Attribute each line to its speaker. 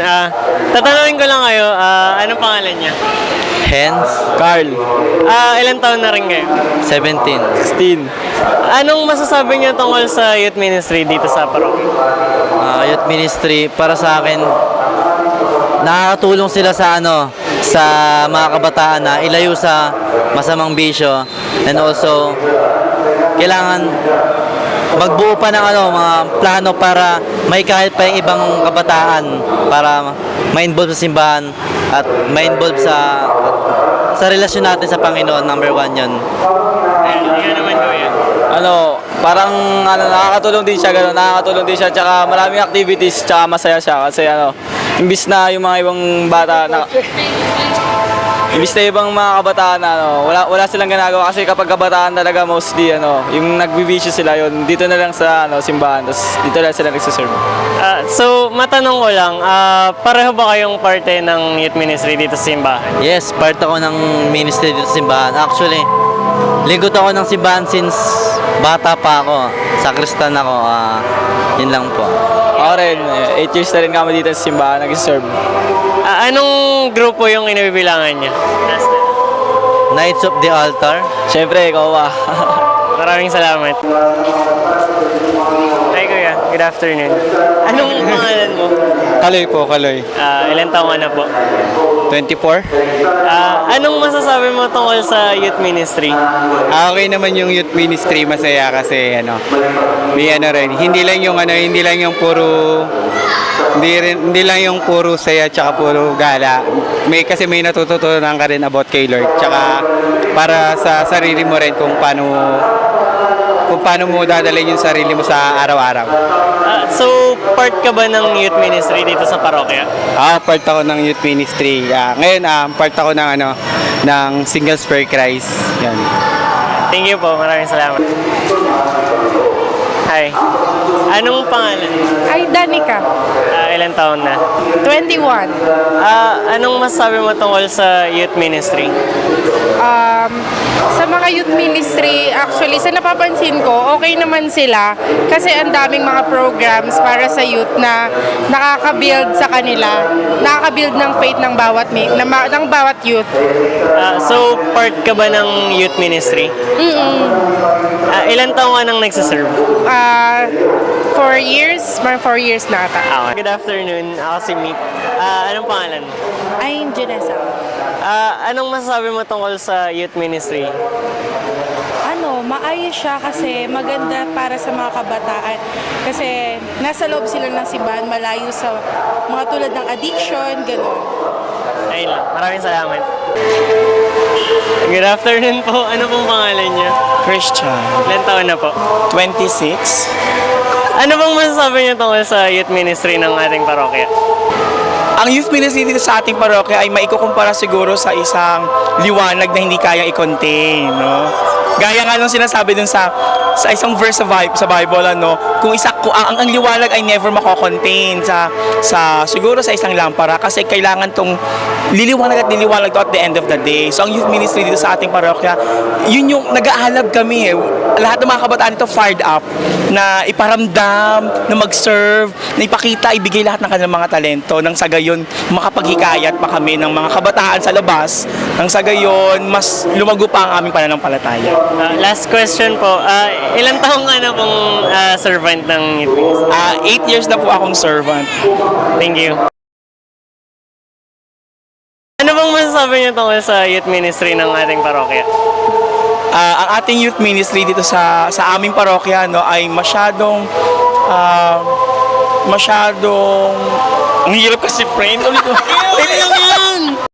Speaker 1: Tatanungin ko lang kayo, anong pangalan niya?
Speaker 2: Hence,
Speaker 3: Carl,
Speaker 1: Ilan taon na rin kayo?
Speaker 2: 17.
Speaker 3: 16.
Speaker 1: Anong masasabi niyo tungkol sa youth ministry dito sa parokya?
Speaker 2: Youth ministry, para sa akin, nakakatulong sila sa sa mga kabataan na ilayo sa masamang bisyo, and also kailangan magbuo pa ng mga plano para may kahit pa yung ibang kabataan para ma-involve sa simbahan at ma-involve sa relasyon natin sa Panginoon. Number 1 yun.
Speaker 1: Yan naman ko yan.
Speaker 3: Parang nakakatulong din siya, nakakatulong din siya, tsaka maraming activities, tsaka masaya siya kasi imbis na yung mga ibang bata imbis na ibang mga kabataan wala silang ginagawa kasi kapag kabataan talaga mostly yung nagbibisyo sila yun dito na lang sa simbahan, tapos dito na sila nagsiserve.
Speaker 1: So, matanong ko lang, pareho ba kayong parte ng youth ministry dito sa simbahan?
Speaker 2: Yes, part ako ng ministry dito sa simbahan. Actually, lingkod ako ng simbahan since bata pa ako. Sakristan ako. Yun lang po.
Speaker 3: Ako rin, 8 years na rin kami dito sa simbahan nagsiserve.
Speaker 1: Anong grupo yung inabibilangan niya?
Speaker 2: Knights of the Altar.
Speaker 3: Siyempre, ikaw ba?
Speaker 1: Maraming salamat. Hi kuya, good afternoon. Anong pangalan mo?
Speaker 4: Kaloy po, Kaloy.
Speaker 1: Ilan taong ka na po?
Speaker 4: 24.
Speaker 1: Anong masasabi mo tungkol sa youth ministry?
Speaker 4: Okay naman yung youth ministry, masaya kasi may rin, hindi lang yung puro hindi lang yung puro saya tsaka puro gala. Kasi may natututunan ka rin about kay Lord. Tsaka para sa sarili mo rin kung paano mo dadalhin yung sarili mo sa araw-araw.
Speaker 1: So, part ka ba ng youth ministry dito sa parokya?
Speaker 4: Part ako ng youth ministry. Ngayon, part ako ng Singles for Christ. Yan.
Speaker 1: Thank you po, maraming salamat. Hi. Anong pangalan?
Speaker 5: Ay, Danica.
Speaker 1: Ilan taon na?
Speaker 5: 21.
Speaker 1: Anong masasabi mo tungkol sa youth ministry?
Speaker 5: Sa mga youth ministry, actually, sa napapansin ko, okay naman sila kasi ang daming mga programs para sa youth na nakaka-build sa kanila, nakaka-build ng faith ng bawat youth.
Speaker 1: So, part ka ba ng youth ministry? Ilan taon ka nang nagsiserve?
Speaker 5: 4 years, mga 4 years na ata.
Speaker 1: Good afternoon, ako si Meet. Anong pangalan?
Speaker 5: I'm Janessa.
Speaker 1: Anong masasabi mo tungkol sa youth ministry?
Speaker 5: Maayos siya kasi maganda para sa mga kabataan. Kasi nasa loob sila ng simbahan, malayo sa mga tulad ng addiction, gano'n.
Speaker 1: Ayun lang, maraming salamat. Good afternoon po. Ano pong pangalan niya?
Speaker 6: Christian,
Speaker 1: Ilan taon na po?
Speaker 6: 26.
Speaker 1: Ano bang masasabi niyo tungkol sa youth ministry ng ating parokya?
Speaker 6: Ang youth ministry dito sa ating parokya ay maikukumpara siguro sa isang liwanag na hindi kayang i-contain, no? Gaya nga nung sinasabi dun sa isang verse sa Bible, kung ang liwanag ay never mako-contain siguro sa isang lampara kasi kailangan tong liliwanag to at the end of the day. So ang youth ministry dito sa ating parokya, yun yung nag-aalab kami. Lahat ng mga kabataan dito fired up na iparamdam, na mag-serve, na ipakita, ibigay lahat ng kanilang mga talento nang sa gayon makapaghikayat pa kami ng mga kabataan sa labas, nang sa gayon mas lumago pa ang aming pananampalataya.
Speaker 1: Last question po. Ilan taong ka na pong servant ng youth ministry?
Speaker 6: 8 years na po akong servant.
Speaker 1: Thank you. Ano bang masasabi niyo tungkol sa youth ministry ng ating parokya?
Speaker 6: Ang ating youth ministry dito sa aming parokya ay masyadong ang hirap kasi friend.